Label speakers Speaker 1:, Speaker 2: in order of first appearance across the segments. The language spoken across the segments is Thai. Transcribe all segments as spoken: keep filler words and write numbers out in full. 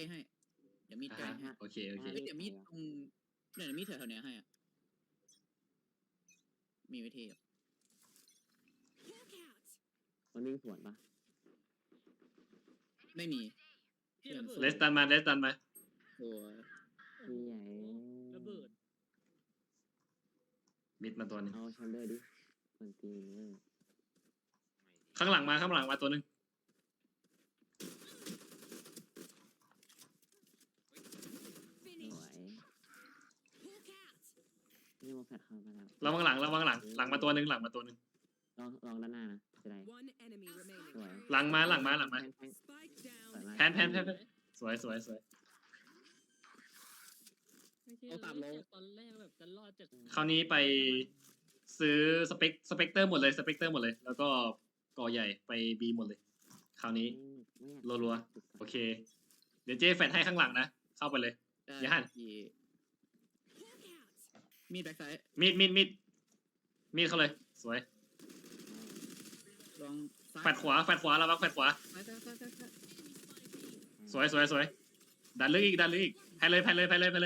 Speaker 1: ให้เดี๋ยวมีดใกล้ให้
Speaker 2: โอเคโอเค
Speaker 1: เดี๋ยวมีดตรงเดี๋ยวมีดแถวๆเนี้ยให้อ่ะมีวิธี
Speaker 3: มันวิ่งสวนปะ
Speaker 1: ไม่มี
Speaker 2: เลสตันมาเลสตันมา
Speaker 1: โอ้ย
Speaker 3: พี่ใหญ่
Speaker 4: ระเบิด
Speaker 2: มิดมาตัวนึง
Speaker 3: เอาแชมเบอร์ดิคนตีเนอร์
Speaker 2: ข้างหลังมาข้างหลังมาตัวนึง
Speaker 3: สวยนี่มาแฟดเข้ามาแล้ว
Speaker 2: ระวังหลังระวังหลังหลังมาตัวนึงหลังมาตัวนึง
Speaker 3: ลองลองด้านหน้านะจะได้สวย
Speaker 2: หลังมาหลังมาหลังมา
Speaker 3: แพนแพนสวยมาก
Speaker 2: แพนแพนแพนแพนสวยสวยสวย
Speaker 4: เอาตามลงตอนแรกแบบจะรอดจาก
Speaker 2: คราวนี้ไปซื้อสเปกสเปกเตอร์หมดเลยสเปกเตอร์หมดเลย แล้วก็กอใหญ่ไปบีหมดเลย คราวนี้ รัวๆ โอเค เดี๋ยวเจ๊แฟดให้ข้างหลังนะ เข้าไปเลย
Speaker 1: ได้
Speaker 2: อย่าหัน
Speaker 1: พี่มีดแบ็คไซด์
Speaker 2: มีดมีดมีดมีดเข้าเลย สวย
Speaker 1: ลองซ้าย
Speaker 2: แฟดขวาแฟดขวาระวังแฟดขวา
Speaker 1: ซ้ายซ้ายซ้ายซ้ายซ้าย
Speaker 2: สวยสวยสวยดันลึกอีกดันลึกอีกแพนเลยแพนเลยแพนเลยแพนเลย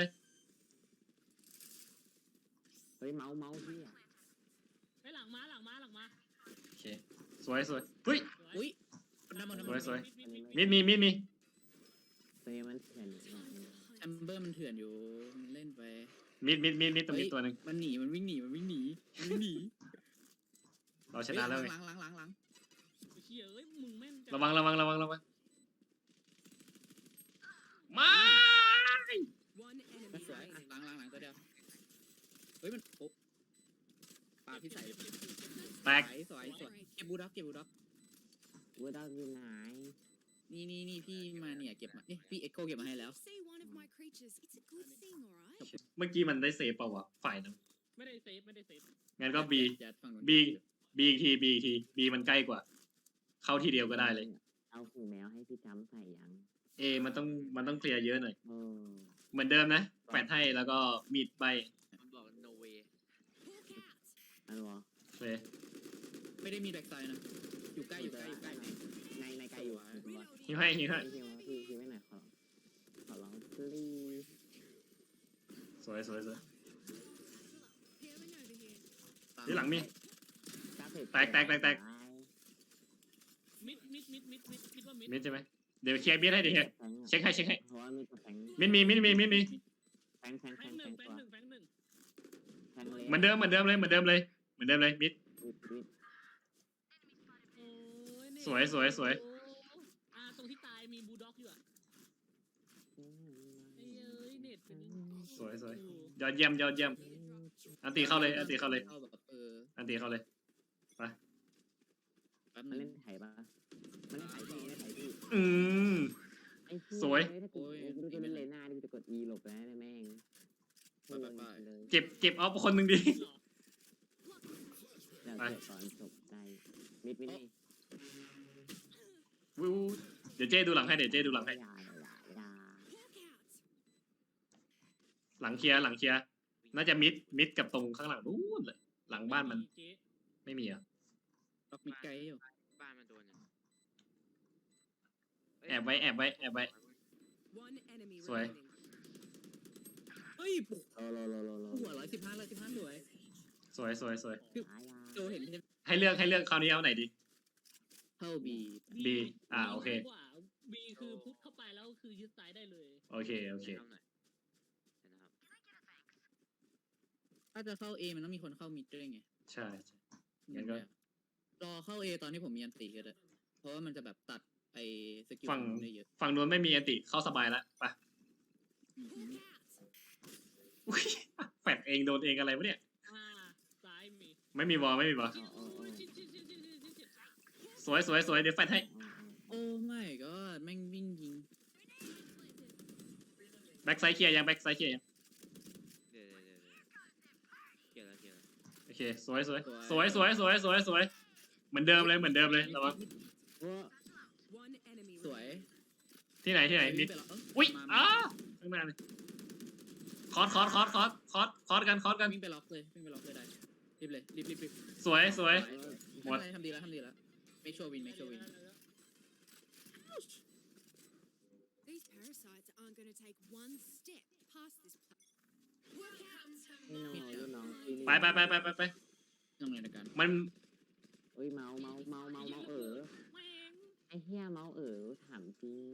Speaker 3: เฮ้ยเมาส์เมาส์พี่อ่ะ
Speaker 4: ไปหลังมาหลังมาหลังมา
Speaker 2: โอเคสวยสวยเฮ้ย
Speaker 1: อุ้ยน้ำมันน้ำ
Speaker 2: ส
Speaker 1: มั
Speaker 2: วย
Speaker 1: น
Speaker 2: สวย
Speaker 4: มิดมิด
Speaker 2: มีดมีมีดมี
Speaker 3: ตัวนี้มันเถื่อนหน่อย
Speaker 1: แอมเบอร์มันเถื่อนอยู่มันเล่นไป
Speaker 2: มีดมีดมีดมีดตัวมีตัวหนึ่ง
Speaker 1: มันหนีมันวิ่งหนีมันวิ่งหนีมันวิ่งหนี
Speaker 2: เราชนะแล้วไง
Speaker 1: หลังหลังหลังหลัง
Speaker 4: เชี่ยเอ้ยมึงแม่นจั
Speaker 2: ระวังระวังระวังระวังมา
Speaker 1: มันสวยอ่ะหลังหลังหลังตัวเดียวเฮ้ยมันโอ้ปาพี่ใส่
Speaker 2: แตก
Speaker 1: สวยสวยสวยเก็บบูด็อกเก็บบูด็อก
Speaker 3: วูดอกอยู่ไหน
Speaker 1: นี่นี่นี่พี่มาเนี่ยเก็บมานี่พี่เอ็กโคเก็บมาให้แล้ว
Speaker 5: Say one of my creatures. It's a good thing, alright?
Speaker 2: เมื่อกี้มันได้เซฟเปล่าวะฝ่ายนั้น
Speaker 4: ไม่ได้เซฟไม่ได้เซฟ
Speaker 2: งั้นก็บี
Speaker 1: ยัดฝั่งนู้น
Speaker 2: บีบีอีกทีบีอีกทีบีมันใกล้กว่า เข้าทีเดียวก็ได้เลย
Speaker 3: เอาหูแมวให้พี่จำใส่ยัง
Speaker 2: เอมันต้องมันต้องเคลียร์เยอะหน่อย
Speaker 3: เออ
Speaker 2: เหมือนเดิมนะแฟดให้แล้วก็มีดใบ
Speaker 1: บอก no way
Speaker 5: Hawk out.
Speaker 3: อันวะ
Speaker 2: เลย
Speaker 1: ไม่ได้มีแบ็คไซด์นะอยู่ใกล้อยู่ใกล้อยู่ใกล้
Speaker 3: ในในไกลอยู่ถูกปะ
Speaker 2: หิวให้หิวให้
Speaker 3: พี่พี่พี่พี่ไม่ไหนขอขอร้อง please
Speaker 2: สวยสวยสวย
Speaker 5: Healing over here.
Speaker 2: ที่หลังมี แตกแตกแตกแตก
Speaker 4: มิดมิดมิดมิดมิดคิดว่ามิด
Speaker 2: มิดใช่ไหมเดี๋ยวเคลียร์มิดให้ดิเฮียเช็คให้เช็คให้
Speaker 3: เพราะว่ามีกับแฟง
Speaker 2: มิดมีมิดมีมิดมี
Speaker 3: แฟงแฟง
Speaker 4: แฟ
Speaker 3: แฟ
Speaker 4: ง
Speaker 3: ง
Speaker 4: ห
Speaker 3: แฟ
Speaker 4: นึ่ง
Speaker 3: ง
Speaker 4: แฟง
Speaker 3: ตัว
Speaker 4: หนึ่งแฟงหนึ่ง
Speaker 3: แฟงเลย
Speaker 2: เหมือนเดิมเหมือนเดิมเลยเหมือนเดิมเลยเหมือนเดิมเลยมิด
Speaker 4: โอ้ยเนี่ย
Speaker 2: สวยสวยสวย
Speaker 4: โอ้อ่าตรงที่ตายมีบูลด็อกอยู่อ่ะไอ้เอ้ยเน็ตเป็น
Speaker 2: สวยสวยยอดเยี่ยมยอดเยี่ยม อันตีเข้าเลยอันตีเข้าเลย
Speaker 1: เข้าแบบเออ
Speaker 2: อันตีเข้าเลย
Speaker 1: แป๊บ
Speaker 3: มัน
Speaker 1: นึ
Speaker 3: เล่
Speaker 1: ง
Speaker 3: นไถ่ปะมันเล่นไถ่พี่เล่นไถ่พี่
Speaker 2: อืม
Speaker 3: ไอ้เหี้
Speaker 2: สวย
Speaker 3: ถ้ากูกูจะเล่นเลน่าดิกูจะกด E หลบแล้วนะแม่ง
Speaker 1: ไปไปไป
Speaker 3: เลย
Speaker 2: เก็บเก็บเอาคนหนึ่งดิ
Speaker 4: หรอ
Speaker 3: เดี๋ยว
Speaker 2: ไป
Speaker 3: เกิดก่อนจบใจมิดมิดนี่
Speaker 2: วิวเดี๋ยวเจ้ดูหลังให้เดี๋ยวเจ้ดูหลังให้
Speaker 3: อย่าอย่าอย่า
Speaker 5: Hawk out.
Speaker 2: หลังเคลียร์หลังเคลียร์น่าจะมิดมิดกับตรงข้างหลังนู้นเลย หลังบ้านมัน
Speaker 4: เจ๊
Speaker 2: ไม่มีอ่ะ
Speaker 1: ล็อกมิดไกลอยู่
Speaker 6: บ้านมันโดนอย่าง
Speaker 2: แอบไว้แอบไว้แอบไว้
Speaker 5: One enemy
Speaker 2: Swear.
Speaker 5: remaining.
Speaker 1: เฮ้ยปุ๊บ
Speaker 3: โลโลโลโลโล
Speaker 1: หัวร้อยสิบห้าร้อยสิบห้าสวย
Speaker 2: สวยสวยสวย
Speaker 3: หายา
Speaker 1: โจเห็นใช่ไหม
Speaker 2: ให้เลือกให้เลือกคราวนี้เอาไหนดี
Speaker 1: เข้าบี
Speaker 2: B อ่าโอเค
Speaker 4: บีคือพุทเข้าไปแล้วคือยึดซ้ายได้เลย
Speaker 2: โอเคโอเค
Speaker 6: ทำหน่อยเห็นนะครับ
Speaker 1: ถ้าจะเข้าเอมันต้องมีคนเข้ามิดด้วยไง
Speaker 2: ใช่ใช่ งั้นก็
Speaker 1: รอเข้าเอตอนที่ผมมีอันติก็ได้เพราะว่ามันจะแบบตัดไอ้สกิล
Speaker 2: ฝั่ง
Speaker 1: ได้เยอะ
Speaker 2: ฝั่งนู้นไม่มีอันติเข้าสบายแล้วไป
Speaker 1: อือหือ
Speaker 5: Hawk out.
Speaker 2: อุ้ยแฟดเองโดนเองอะไรวะเนี่ย
Speaker 4: อ่าซ้ายมี
Speaker 2: ไม่มีบอลไม่มีบอล
Speaker 4: ชิดโอ้ยชิดชิดชิดชิดชิดชิด
Speaker 2: สวยสวยสวยเดี๋ยวแฟดให้
Speaker 1: โอ้ไม่ก็แม่งวิ่งยิง
Speaker 2: แบ็กไซด์เคลียร์ยังแบ็กไซด์เคลียร์ยัง
Speaker 6: เดี๋ยวเดี๋ยวเดี๋ยวเกี่ยวแล้วเกี่ยวแล้ว
Speaker 2: โอเคสวยสวยสวยสวยสวยสวยสวยเหมือนเดิมเลยเหมือนเดิมเลยระวัง
Speaker 5: One enemy
Speaker 1: สวย
Speaker 5: remaining.
Speaker 2: ที่ไหนที่ไหนมิด
Speaker 1: ปแล้วเ
Speaker 2: อุ้ย
Speaker 1: มา
Speaker 2: อ้าข้างหน้าเลยคอร์สคอร์สคอร์สคอร์สคอร์สคอร์สกันคอร์สกัน
Speaker 1: วิ่งไปล็อกเลยวิ่งไปล็อกเลยได้รีบเลยรีบรีบรีบ
Speaker 2: สวยสวย หมด
Speaker 1: ทำอะไรทำดีแล้วทำดีแล้ว make sure win make sure win
Speaker 5: These parasites parasites aren't going to take one step past this place.
Speaker 3: ไม่น้องรุ่นน้องปีนี้
Speaker 2: ไปไปไปไปไปไป
Speaker 1: ยังไงในการ
Speaker 2: มัน
Speaker 3: เอ้ยเมาเมาเมาเมาเมาเออ
Speaker 4: แม่ง
Speaker 3: ไอ้เหี้ยเมาเออถามจริง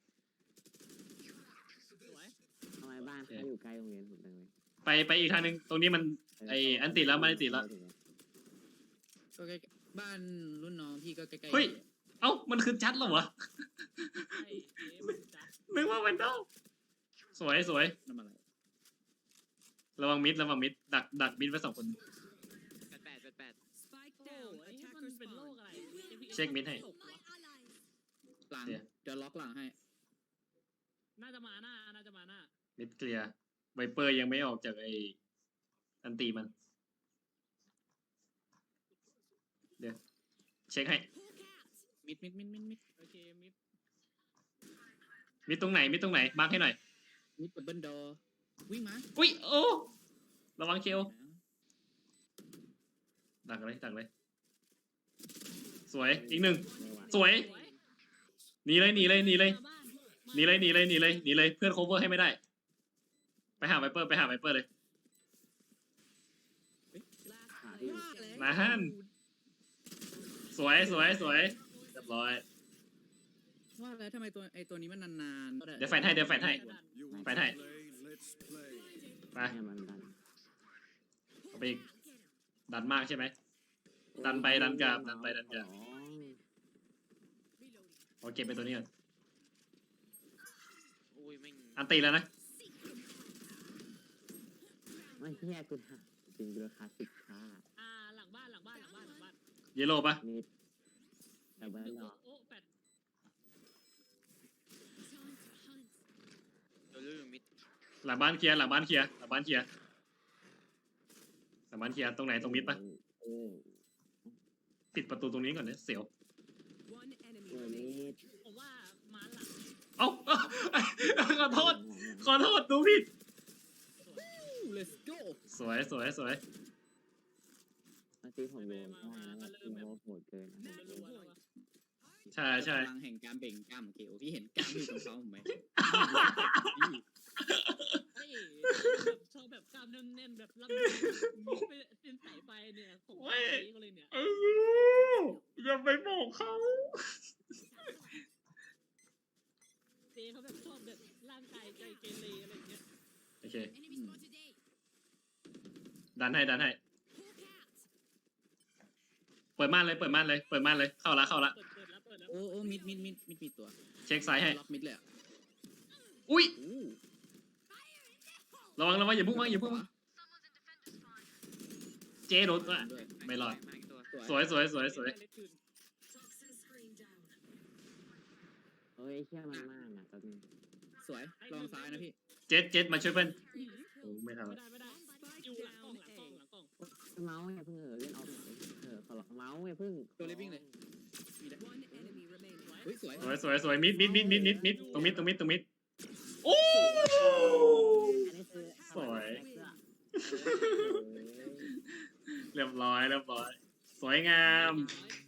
Speaker 4: สวย
Speaker 3: ทำไมบ้านเขาอยู่ใกล้โรงเรียนผมจังเลย
Speaker 2: ไปไปอีกทางหนึงตรงนี้มัน ไอ้อันติดแล้วมันอันติดแล้ว
Speaker 1: ก็ใกล้บ้านรุ่นน้องพี่ก็ใกล้ๆ
Speaker 2: เฮ้ย เอ้ามันคือจัดเหรอวะ
Speaker 4: ใช่เอ๊ะมันจัด
Speaker 2: นึกว่ามันเด้าสวยสวย
Speaker 1: น้ำอะไร
Speaker 2: ระวังมิดระวังมิดดักดักมิดไว้สองคน
Speaker 6: แปดแปดแปดแปด
Speaker 5: Spike
Speaker 4: โอ้
Speaker 5: down.
Speaker 4: ไอ้เหี้ย
Speaker 5: Attacker
Speaker 4: มันเป็นโรค
Speaker 5: spawn.
Speaker 4: อะไร
Speaker 2: เช็คมิดให้
Speaker 4: ตกวะ
Speaker 1: หลัง
Speaker 2: เนี่ย
Speaker 1: เดี๋ยวล็อกหลังให้
Speaker 4: น่าจะมาหน้า น่าจะมาหน้า
Speaker 2: มิดเคลียร์ไวเปอร์ยังไม่ออกจากไอ้อันตีมัน เดี๋ยว เช็คให้
Speaker 1: มิดมิดมิดมิดมิด
Speaker 4: โอเคมิด
Speaker 2: มิดตรงไหนมิดตรงไหนมาร์คให้หน่อย
Speaker 1: มิดดับเบิลดอวิ่งมา
Speaker 2: อุ้ยโอ้ระวังเคลดักเลยดักเลย สวยอีกหนึ่ง
Speaker 3: ไม่ไหว
Speaker 2: สวย
Speaker 4: สวย
Speaker 2: หนีเลยหนีเลยหนีเลย
Speaker 4: มาบ้าน
Speaker 2: หนีเลยหนีเลยหนีเลยหนีเลยเพื่อนโคเวอร์ให้ไม่ได้ ไปหาไวเปอร์ไปหาไวเปอร์เลย
Speaker 5: Last player
Speaker 2: มา
Speaker 5: standing.
Speaker 2: ฮันสวยสวยสวยเรียบร้อย
Speaker 1: ว่าแล้วทำไมตัวไอตัวนี้มันนานๆ
Speaker 2: เดี๋ยวแฟนให้เดี๋ยวแฟนให้ ไปให้ ไป
Speaker 3: เนี่ยมันดัน
Speaker 2: เอาไปอีกดันมากใช่ไหม ดันไปดันกลับดันไปดันกลับ
Speaker 3: อ๋อ
Speaker 2: เอาเก็บไปตัวนี้ก่อน
Speaker 6: อุ้ยแม่ง
Speaker 2: อันตีแล้วนะ
Speaker 3: ไม่เหี้ยกูถามจริงดูราคาสิบค่า
Speaker 4: อ่าหลังบ้านหลังบ้านหลังบ้านหลังบ้าน
Speaker 2: เยลโล่ปะ
Speaker 3: นิดแต่เบิร์ดหรอ
Speaker 4: โอ้แปด
Speaker 6: ตัวลื่นมิด
Speaker 2: หลังบ้านเคลียร์หลังบ้านเคลียร์หลังบ้านเคลียร์หลังบ้านเคลียร์ตรงไหนตรงมิดปะ
Speaker 3: เออ
Speaker 2: ปิดประตูตรงนี้ก่อนเนี่ยเสียว
Speaker 5: One enemy
Speaker 3: เออ
Speaker 5: remaining.
Speaker 3: นิด
Speaker 4: ผมว่ามาหลัง
Speaker 2: เอ้า ขอโทษ ขอโทษดูผิด
Speaker 1: let's go
Speaker 2: สวยสวยสวย
Speaker 3: บางทีผมโดนได้นะแบบทีมโหดเกินนะ
Speaker 4: รัวๆแล้ววะ
Speaker 2: ใช่ใช่
Speaker 1: พลังแห่งการเบ่งกล้ามของเคโอพี่เห็นกล้ามอยู่ตรงเขาผมไหม
Speaker 4: เฮ้ยแบบชอบแบบกล้ามแน่นๆแบบรับมีไปเป็นสายไฟเนี่ยผมว่าดีก็เลยเนี่ย
Speaker 2: เอออย่าไปบอกเขา
Speaker 4: เจเขาแบบชอบแบบร่างกายใจเกเรอะไรอย่างเงี้ย
Speaker 2: โอเค
Speaker 5: Enemy spotted A.
Speaker 2: ดันให้ดันให้
Speaker 5: Hawk out.
Speaker 2: เปิดม่านเลยเปิดม่านเลยเปิดม่านเลยเข้าละเข้าละ
Speaker 4: เปิดเปิดแล้วเปิดแล้ว
Speaker 1: โอ้โอ้มิดมิดมิดมิดมีตัว
Speaker 2: เช็คซ้ายให้
Speaker 1: ล็อกมิดเลยอ่ะ
Speaker 2: อุ้ย
Speaker 1: อู้
Speaker 2: ระวังระวังอย่าพุ่งมาอย่าพุ่งมาเจโดนอ่ะ
Speaker 1: ด้วย
Speaker 2: ไม่รอด
Speaker 6: มาอีกตัว
Speaker 2: สวยสวยสวยสวย
Speaker 4: เล็กขึ้น
Speaker 3: เฮ้ยเหี้ยมันมากนะตอนนี้
Speaker 1: สวยลองซ้ายนะพี่
Speaker 2: เจ็ดเจ็ดมาช่วยเพื่อน
Speaker 4: อื้อ
Speaker 2: โอ้ไม่ทัน
Speaker 4: ไม่
Speaker 2: ละ
Speaker 4: ได้ไม่ได้อยู่หลังกล้องหลังกล้องหลังกล้อง
Speaker 3: เมาส์อย่าเพิ่งเออเล่นออฟเออขอร้องเมาส์อย่าเพิ่ง
Speaker 1: ตัวเล็กวิ่งเลยมีได้
Speaker 5: One enemy remaining.
Speaker 1: เฮ้ยสวย
Speaker 2: สวยสวยสวยมิดมิดมิดมิดมิดมิดตรงมิดตรงมิดตรงมิดโอ้
Speaker 3: อันนี้คือ
Speaker 2: สวย
Speaker 3: เสื้อ
Speaker 2: เรียบร้อยเรียบร้อย สวยงาม
Speaker 4: น้อย